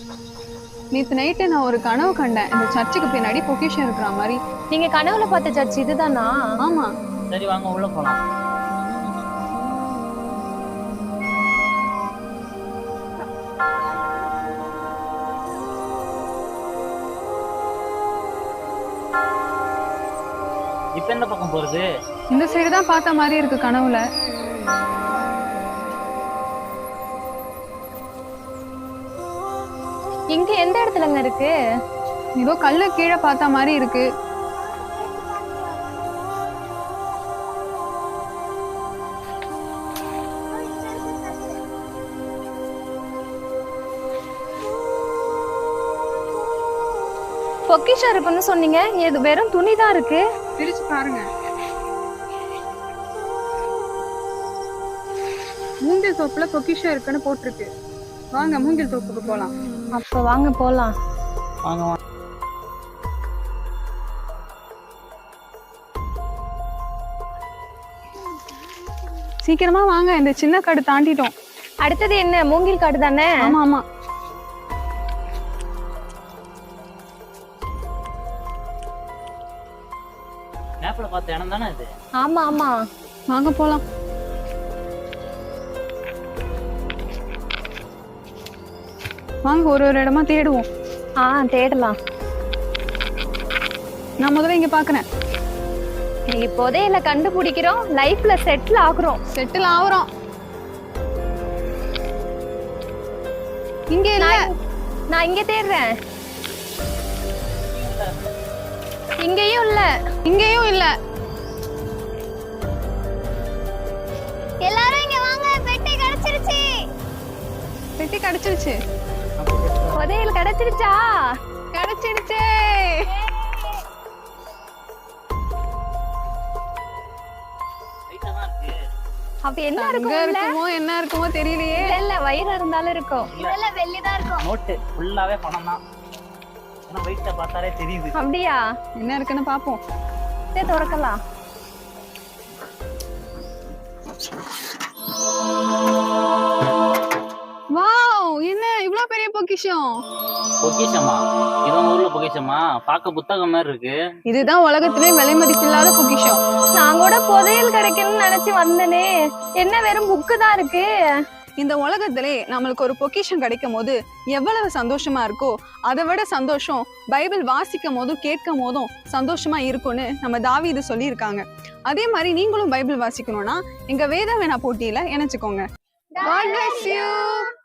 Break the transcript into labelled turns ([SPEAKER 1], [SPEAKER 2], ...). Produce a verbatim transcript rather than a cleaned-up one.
[SPEAKER 1] நேத்து நைட்டு நான் ஒரு கனவு கண்டேன். இந்த சர்ச்சுக்கு பின்னாடி பொக்கிஷம் இருக்கிற மாதிரி.
[SPEAKER 2] நீங்க கனவுல பார்த்த சர்ச் இதுதானா?
[SPEAKER 1] ஆமா.
[SPEAKER 3] சரி வாங்க உள்ள போலாம். இப்ப எந்த பக்கம் போறது?
[SPEAKER 1] இந்த சைடு தான் பார்த்த மாதிரி இருக்கு கனவுல.
[SPEAKER 2] இங்க எந்த இடத்துலங்க இருக்கு?
[SPEAKER 1] ஏதோ கல்லு கீழே பார்த்த மாதிரி இருக்கு.
[SPEAKER 2] பொக்கிஷம் இருக்குன்னு சொன்னீங்க, இது வெறும் துணிதான் இருக்கு.
[SPEAKER 1] பிரிச்சு பாருங்க. மூங்கில் தோப்புல பொக்கிஷம் இருக்குன்னு போட்டிருக்கு. வாங்க மூங்கில் தோப்புக்கு போலாம்.
[SPEAKER 2] அப்ப வாங்க போலாம்.
[SPEAKER 3] வாங்க வாங்க.
[SPEAKER 1] சீக்கிரமா வாங்க, இந்த சின்ன காடு தாண்டிட்டோம்.
[SPEAKER 2] அடுத்தது என்ன? மூங்கில் காடு தானே?
[SPEAKER 1] ஆமா ஆமா.
[SPEAKER 3] மேப்ல பார்த்த இடம் தானே இது?
[SPEAKER 2] ஆமா ஆமா.
[SPEAKER 1] வாங்க போலாம். வாங்க ஒரு ஒரு இடமா தேடுவோம்.
[SPEAKER 2] ஆ தேடலாம்.
[SPEAKER 1] நான் முதல்ல இங்க பாக்குறேன்.
[SPEAKER 2] நீங்க புதையல கண்டுபிடிக்கிறோம், லைஃப்ல செட்டில் ஆகுறோம்.
[SPEAKER 1] செட்டில் ஆகுறோம். இங்க இல்ல.
[SPEAKER 2] நான் இங்க தேடுறேன். இங்கேயும் இல்ல.
[SPEAKER 1] இங்கேயும் இல்ல.
[SPEAKER 2] எல்லாரும் இங்க வாங்க, பெட்டி கிடைச்சிருச்சு.
[SPEAKER 1] பெட்டி கிடைச்சிருச்சு.
[SPEAKER 2] புதையல் கிடைச்சிருச்சா?
[SPEAKER 1] கிடைச்சிருச்சு.
[SPEAKER 2] அப்ப என்ன
[SPEAKER 1] எங்க
[SPEAKER 2] இருக்கும்?
[SPEAKER 1] இருக்குமோ என்ன இருக்குமோ தெரியலையே.
[SPEAKER 2] இல்ல வயிறு இருந்தாலும் இருக்கும். இல்ல வெள்ளிதான் இருக்கும்.
[SPEAKER 3] நோட்டு ஃபுல்லாவே பணம் தான். ஆனா வெயிட்ட பார்த்தாலே தெரியுது.
[SPEAKER 2] அப்படியா?
[SPEAKER 1] என்ன இருக்குன்னு பாப்போம்.
[SPEAKER 2] இதை திறக்கலாம்.
[SPEAKER 1] வாவ், என்ன இவ்ளோ பெரிய பொக்கிஷம்.
[SPEAKER 3] பொக்கிஷமா? இவன் ஊர்ல பொக்கிஷமா? பார்க்க புத்தகம் மாதிரி இருக்கு.
[SPEAKER 1] இதுதான் உலகத்திலே விலை மதிப்பில்லாத பொக்கிஷம்.
[SPEAKER 2] நான் கூட புதையல் கிடைக்கணும்னு நினைச்சு வந்தனே, என்ன வெறும் புக்கு தான் இருக்கு.
[SPEAKER 1] இந்த உலகத்திலே நம்மளுக்கு ஒரு பொக்கிஷம் கிடைக்கும் போது எவ்வளவு சந்தோஷமா இருக்கோ அதை விட சந்தோஷம் பைபிள் வாசிக்கும் போதும் கேட்கும் போதும் சந்தோஷமா இருக்கும்னு நம்ம தாவீது சொல்லி இருக்காங்க. அதே மாதிரி நீங்களும் பைபிள் வாசிக்கணும்னா எங்க வேத வேணா போட்டியில இணைச்சுக்கோங்க. God bless you.